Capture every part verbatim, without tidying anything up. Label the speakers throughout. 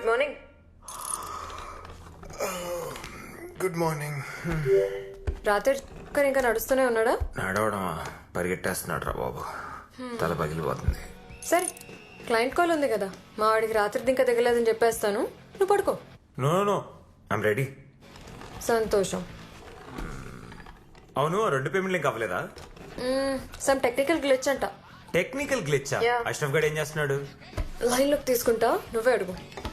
Speaker 1: Morning.
Speaker 2: Good morning.
Speaker 1: రాత్రి ఒక్కరు ఇంకా నడుస్తూనే ఉన్నాడా?
Speaker 2: నడవడమా, పరిగెట్టేస్తున్నాడు రా బాబు. తల పగిలిపోతుంది.
Speaker 1: సరే, క్లయింట్ కాల్ ఉంది కదా, మా వాడికి రాత్రి ఇంకా దిగలేదని చెప్పేస్తాను, నువ్వు పడుకో.
Speaker 2: No no I'm ready.
Speaker 1: సంతోషం.
Speaker 2: అవును, రెండు పేమెంట్లు ఇంకా అవ్వలేదా?
Speaker 1: సమ్ టెక్నికల్ గ్లిచ్ అంట.
Speaker 2: Technical glitch?
Speaker 1: Yeah.
Speaker 2: అష్రఫ్ గడ్ ఏం చేస్తున్నాడు?
Speaker 1: లైన్ లోకి తీసుకుంటా, నువ్వే అడుగు.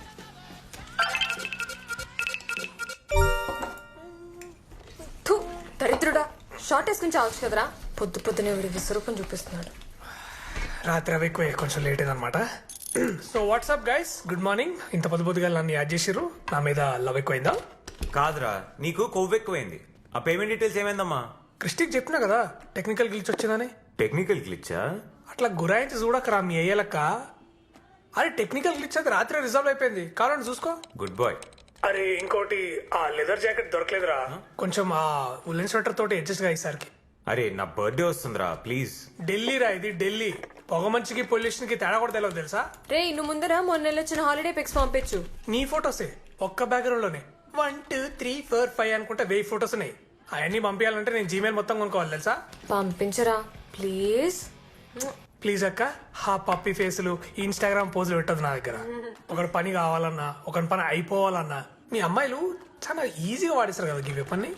Speaker 1: థు, దరిద్రుడా, షార్ట్ వేసుకుని చావచ్చు కదరా. పొద్దు పొద్దునే వీడి విశ్వరూపం చూపిస్తున్నాడు.
Speaker 3: రాత్రి అవి ఎక్కువ, కొంచెం లేట్ అయిందనమాట. So what's up guys, good morning. ఇంత పొద్దు పొద్దుగా నన్ను యాడ్ చేసిర్రు, నా మీద లవ్ ఎక్కువైందా?
Speaker 2: కాదురా, నీకు కొవ్వు ఎక్కువైంది. ఆ పేమెంట్ డీటెయిల్స్ ఏమైందమ్మా?
Speaker 3: క్రిస్టిక్ చెప్పినా కదా టెక్నికల్ గ్లిచ్ వచ్చిందని.
Speaker 2: టెక్నికల్ గ్లిచ్చా?
Speaker 3: అట్లా గురాయించి చూడకరా మీ అయ్యేలక్క. అరే టెక్నికల్ గ్లిచ్ అది రాత్రి రిజాల్వ్ అయిపోయింది, కావాలని చూసుకో.
Speaker 2: Good boy.
Speaker 3: అరే ఇంకోటి, ఆ లెదర్ జాకెట్ దొరకలేదురా, కొంచెం ఆ ఉలెన్ స్వెటర్ తోటి అడ్జస్ట్ గా ఈసారికి.
Speaker 2: అరే నా బర్త్డే వస్తుందిరా, ప్లీజ్.
Speaker 3: ఢిల్లీ రా ఇది, ఢిల్లీ. పొగ మంచికి పొల్యూషన్ కి తేడా కూడా తెలియదు తెలుసా?
Speaker 1: రే, నువ్వు ముందర మొన్న నెల వచ్చిన హాలిడే పిక్స్ పంపించు.
Speaker 3: నీ ఫొటోసే ఒక్క బ్యాక్గ్రౌండ్ లోనే one two three four five అనుకుంటే వెయ్యి ఫొటోస్ ఉన్నాయి. అవన్నీ పంపించాలంటే నేను జీమెయిల్ మొత్తం కొనుక్కోవాలి తెలుసా?
Speaker 1: పంపించరా ప్లీజ్.
Speaker 3: ప్లీజ్ అక్క, హా పప్పి ఫేసులు ఇన్స్టాగ్రామ్ పోజులు పెట్టదు నా దగ్గర. ఒకటి పని కావాలన్నా, ఒకటి పని అయిపోవాలన్నా మీ అమ్మాయిలు చాలా ఈజీగా వాడిస్తారు కదా ఈ పని.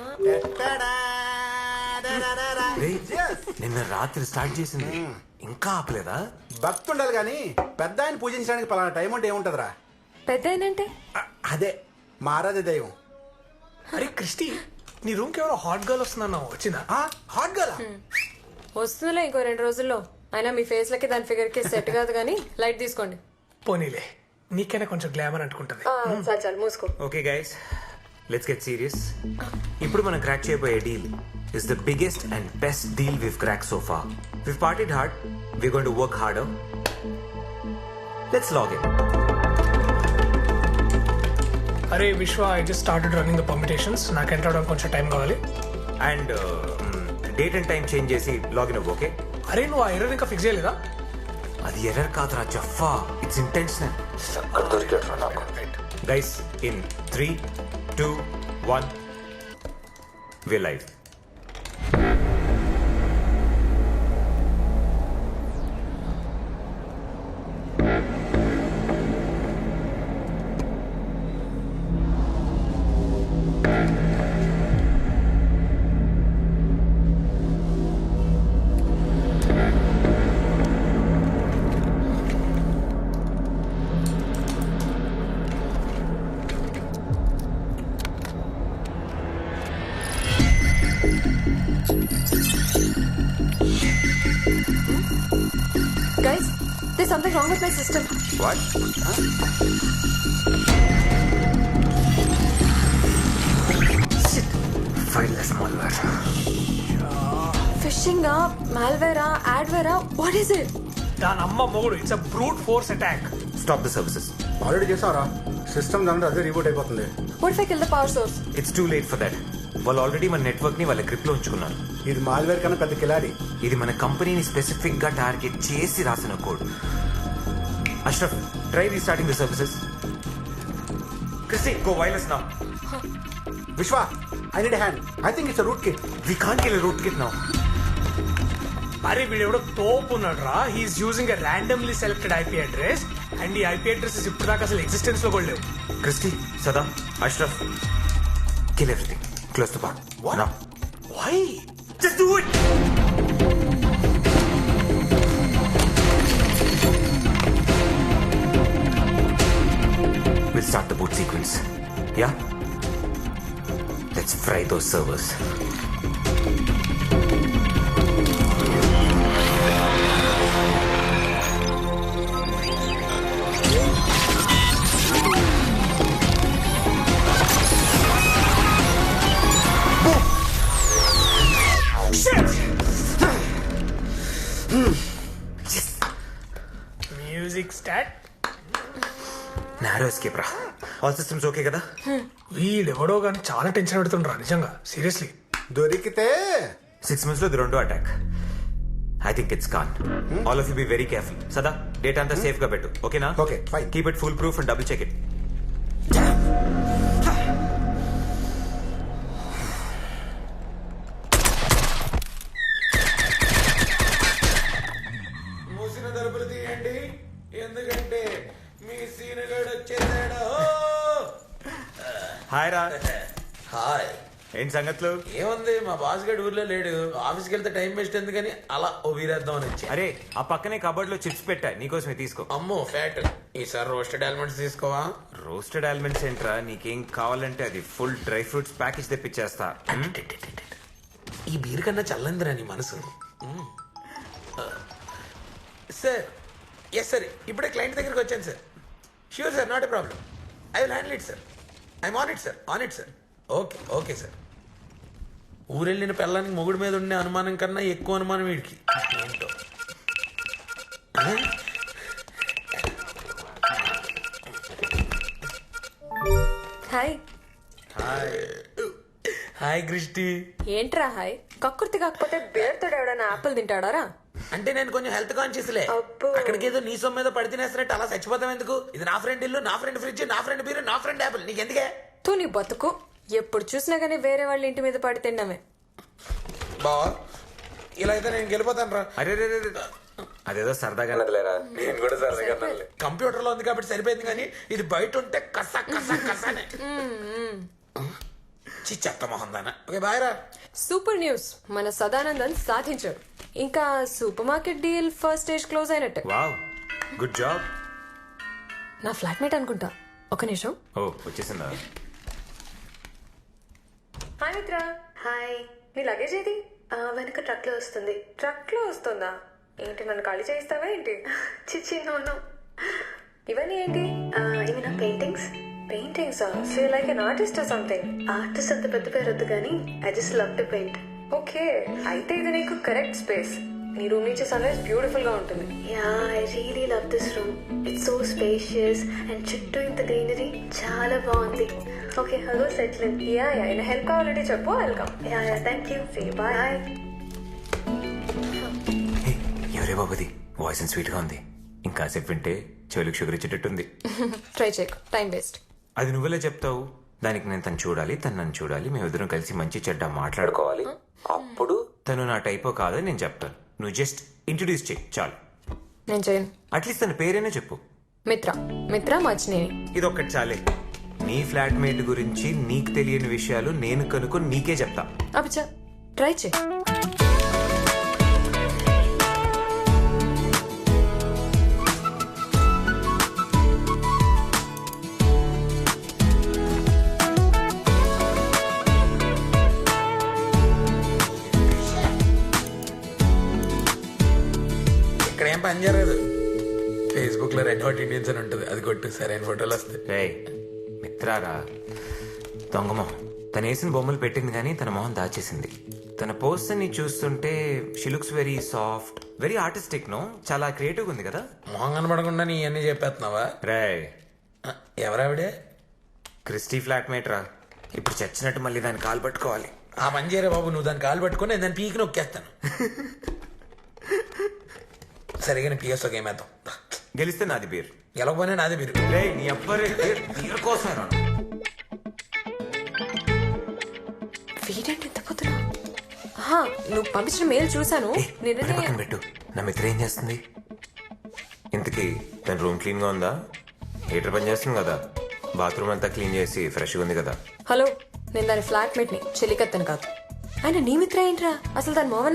Speaker 2: రేయ్, నిన్న రాత్రి స్టార్ట్ చేసింది, ఇంకా ఆపలేదా?
Speaker 4: భక్తి ఉండాలి కానీ పెద్ద ఆయన పూజించడానికి పలానా టైం అంటే ఏముంటదిరా?
Speaker 1: పెద్ద ఏంటంటే
Speaker 4: అ- అదే మారాదే దైవం.
Speaker 3: అరే క్రిస్టి, నీ రూమ్ కి ఎవరో హాట్ గర్ల్ వస్తుందన్నావు, వచ్చిందా?
Speaker 4: ఆ, హాట్ గర్ల్
Speaker 1: వస్తుందిలే ఇంకో రెండు రోజుల్లో. అయినా మీ ఫేస్ లకి దాని ఫిగర్ కి సెట్ కాదు కానీ లైట్ తీసుకోండి.
Speaker 3: పోనీలే, నీకైనా కొంచెం గ్లామర్ అంటుకుంటది.
Speaker 1: చాలు చాలు మూసుకో.
Speaker 2: Okay guys, let's get serious. ఇప్పుడు మనం క్రాక్ చేయబోయే deal is the biggest and best deal we've crack so far. We've partied hard, we going to work harder. Let's log in.
Speaker 3: అరే Vishwa, I just started running the permutations. నాకు enter అవడానికి కొంచెం time కావాలి.
Speaker 2: And date and time change చేసి login అవ్వు, okay?
Speaker 3: అరే నువ్వు ఆ ఎర్రర్ ఇంకా ఫిక్స్ చేయలేదా?
Speaker 2: అది ఎర్రర్ కాదురా జఫా, it's intentional. Guys, in three two one we live.
Speaker 1: Guys, there's something wrong with my system.
Speaker 2: What? Shit. Fileless malware.
Speaker 1: Phishing ah, malware ah, adware ah, what is it?
Speaker 3: దాని అమ్మ మొగుడు, it's a brute force attack.
Speaker 2: Stop the services.
Speaker 4: Already చేసావరా? System దాంట్లో అదే reboot అయిపోతుంది.
Speaker 1: What if I kill the power source?
Speaker 2: It's too late for that. వాళ్ళు already మన network ని వాళ్ళ గ్రిప్ లో ఉంచుకున్నారు.
Speaker 4: ఇది మాల్వేర్ కన్నా పెద్ద కిలాడి.
Speaker 2: ఇది మన కంపెనీని స్పెసిఫిక్ గా టార్గెట్ చేసి రాసిన code. Ashraf, try restarting the services. Christy, go wireless now.
Speaker 4: Vishwa, I need hand. I think it's root kit.
Speaker 2: We can't kill root kit now.
Speaker 3: అరే వీడెవడో తోపు ఉన్నాడు రా. He's using a randomly selected IP address and ఈ IP addresses ఇప్పుడు దాకా అసలు existence లో కూడా లేవు.
Speaker 2: Christy, Sada, Ashraf, kill everything. Close the bar.
Speaker 4: What?
Speaker 2: Now.
Speaker 3: Why?
Speaker 2: Just do it! We'll start the boot sequence. Yeah? Let's fry those servers.
Speaker 3: Music start.
Speaker 2: Narrow escape రా. All systems okay కదా?
Speaker 3: వీడెవడో కానీ చాలా టెన్షన్ పెడుతుండ్రా నిజంగా, seriously.
Speaker 4: దొరికితే
Speaker 2: six months లో ఇది రెండో attack. I think it's con. All of you be very careful. Sada, data అంతా సేఫ్ గా పెట్టు, ఓకేనా?
Speaker 4: Okay, fine.
Speaker 2: Keep it full proof and double check it. Hi రా.
Speaker 5: హాయ్.
Speaker 2: ఏంటి సంగతులు?
Speaker 5: ఏముంది, మా బాస్ గడు ఊర్లో లేడు. ఆఫీస్కి వెళ్తే టైం వేస్ట్ ఎందుకని అలా ఓ వీరేద్దాం అని వచ్చి.
Speaker 2: అరే ఆ పక్కనే కబోర్డ్ లో చిప్స్ పెట్టా, నీకోసమే తీసుకో.
Speaker 5: అమ్మో ఫ్యాట్. ఈసారి రోస్టెడ్ ఆల్మండ్స్ తీసుకోవా?
Speaker 2: రోస్టెడ్ ఆల్మండ్స్ ఏంట్రా, నీకేం కావాలంటే అది ఫుల్ డ్రై ఫ్రూట్స్ ప్యాకేజ్ తెప్పించేస్తా.
Speaker 5: ఈ బీర్ కన్నా చల్లందిరా నీ మనసు. సార్ ఎస్ సార్, ఇప్పుడే క్లయింట్ దగ్గరికి వచ్చాను sir. Sure sir, not a problem. I will handle it sir. I'm on it sir, on it sir. Okay okay sir. ఊరెళ్ళిన పిల్లానికి మొగుడు మీద ఉండే అనుమానం కన్నా ఎక్కువ అనుమానం వీడికి. ఏంటో.
Speaker 1: హాయ్.
Speaker 5: Hi Christy.
Speaker 1: ఏంట్రా హాయ్? కక్కుర్తి కాకపోతే బేర్తో ఎవడన్నా ఆపిల్ తింటాడారా?
Speaker 5: అంటే నేను కొంచెం హెల్త్ కాన్షియస్లే.
Speaker 1: అబ్బో.
Speaker 5: అక్కడికి ఏదో నీ సొమ్ము మీద పడి తినేస్తున్నట్టు అలా చచ్చిపోతాం ఎందుకు? ఇది నా ఫ్రెండ్ ఇల్లు, నా ఫ్రెండ్ ఫ్రిడ్జ్, నా ఫ్రెండ్ బీరు, నా ఫ్రెండ్ యాపిల్. నీకు ఎందుకే?
Speaker 1: తూ నీ బతుకు. ఎప్పుడు చూసినా గానీ వేరే వాళ్ళ ఇంటి మీద పడి తిన్నామే.
Speaker 5: బావా ఇలా అయితే నేను గెలిపోతాను రా.
Speaker 2: అరే రే రే రే. అదేదో సరదాగా నదిలేరా.
Speaker 5: నేను కూడా సరదాగా కంప్యూటర్ లో ఉంది కాబట్టి సరిపోయింది, కానీ ఇది బయట ఉంటే కస కస కసనే. చి చెత్త మొహం దానా. ఓకే బాయ్ రా.
Speaker 1: సూపర్ న్యూస్, మన సదానందన్ సాధించాడు. ఇంకా super market deal first stage close అయినట్టే.
Speaker 2: Wow, good job.
Speaker 1: నా ఫ్లాట్మేట్ అనుకుంటా. ఒక నిమిషం.
Speaker 2: ఓ వచ్చేసిందా?
Speaker 1: హాయ్ మిత్ర.
Speaker 6: హాయ్.
Speaker 1: నీ లగేజ్ ఏది?
Speaker 6: ఆ, వెనక ట్రక్ లో వస్తుంది.
Speaker 1: ట్రక్ లో వస్తుందా? ఏంటి, నన్ను ఖాళీ చేయిస్తావా ఏంటి?
Speaker 6: చిచ్చి నోను.
Speaker 1: ఇవన్నీ ఏంటి?
Speaker 6: ఇవి నా paintings.
Speaker 1: Paintings. So like an artist or something.
Speaker 6: Artist అంత పెద్ద పేరు వద్దు కానీ I just love to paint.
Speaker 1: Okay, అయితే ఇది నీకు కరెక్ట్ స్పేస్. నీ రూమ్ నుంచి సన్ రైజ్ బ్యూటిఫుల్ గా ఉంటుంది.
Speaker 6: Ya, I really love this room. It's so spacious and చుట్టూ ఇంత గ్రీనరీ చాలా బాగుంది. Okay, hello settle in.
Speaker 1: Ya ya ఏమైనా హెల్ప్ కావాలంటే చెప్పు, welcome.
Speaker 6: Ya ya thank you.
Speaker 1: See bye.
Speaker 6: Bye.
Speaker 2: హే, ఎవరే బాబుది? వాయిస్ అండ్ స్వీట్ గా ఉంది. ఇంకాసేపు వింటే చెవులకు షుగర్ ఇచ్చేటట్టుంది.
Speaker 1: ట్రై చేయకు, టైం వేస్ట్.
Speaker 2: అది నువ్వెలా చెప్తావు? దానికి నేను తను చూడాలి, తను నన్ను చూడాలి, మేమిద్దరం కలిసి మంచి చెడ్డ మాట్లాడుకోవాలి. అప్పుడు తను నా టైపో కాదని నేను చెప్తాను. నువ్వు జస్ట్ ఇంట్రడ్యూస్ చేయి చాలు.
Speaker 1: నేను చేయను.
Speaker 2: అట్లీస్ట్ తన పేరైనా చెప్పు.
Speaker 1: మిత్ర. మిత్ర మచ్చినేని.
Speaker 2: ఇది ఒక్కటి చాలే. నీ ఫ్లాట్మేట్ గురించి నీకు తెలియని విషయాలు నేను కనుక్కొని నీకే చెప్తా.
Speaker 1: అబ్బా, ట్రై చేయి.
Speaker 5: ఇక్కడ ఏం పని జరగదు. ఫేస్బుక్ లో రెడ్ హాట్ ఇండియన్స్ అని ఉంటుంది, అది కొట్టు సరైన ఫోటోలు వస్తాయి.
Speaker 2: రే మిత్రారా, దొంగమొహం. తను వేసిన బొమ్మలు పెట్టింది కానీ తన మొహం దాచేసింది. తన పోస్ట్ ని చూస్తుంటే she looks very soft, very artistic. No, చాలా క్రియేటివ్ ఉంది కదా.
Speaker 5: మొహం కనబడకుండా నీ అన్ని చెప్పేస్తున్నావా?
Speaker 2: రే
Speaker 5: ఆ, ఎవరావిడే?
Speaker 2: క్రిస్టీ ఫ్లాట్మేట్ రా. ఇప్పుడు చచ్చినట్టు మళ్ళీ దాన్ని కాలు పట్టుకోవాలి.
Speaker 5: ఆ పని చేయరా బాబు, నువ్వు దాన్ని కాలు పట్టుకొని నేను దాన్ని పీకి నొక్కేస్తాను. సరిగా పిఎస్ ఒక ఏమేద్దాం.
Speaker 2: గెలిస్తే నాది బీర్,
Speaker 5: గెలవకపోయినా నాదే మీరు.
Speaker 2: రే నీ అబ్బరే బీర్ కోసం రా.
Speaker 1: వీడేంటి ఎంత పొద్దున? ఆహా, నువ్వు పంపించిన మెయిల్ చూసాను.
Speaker 2: ఏ,
Speaker 1: నిన్ననే
Speaker 2: మరి పక్కన పెట్టు. నా మిత్ర ఏం చేస్తుంది ఇంతకీ? తన రూమ్ క్లీన్ గా ఉందా? హీటర్ పని చేస్తుంది కదా? బాత్రూమ్ అంతా క్లీన్ చేసి ఫ్రెష్గా ఉంది కదా?
Speaker 1: హలో, నేను దాని ఫ్లాట్మేట్ ని, చెలికత్తను కాదు. ఆయన నీ మిత్ర ఏంట్రా? అసలు దాని మోహన్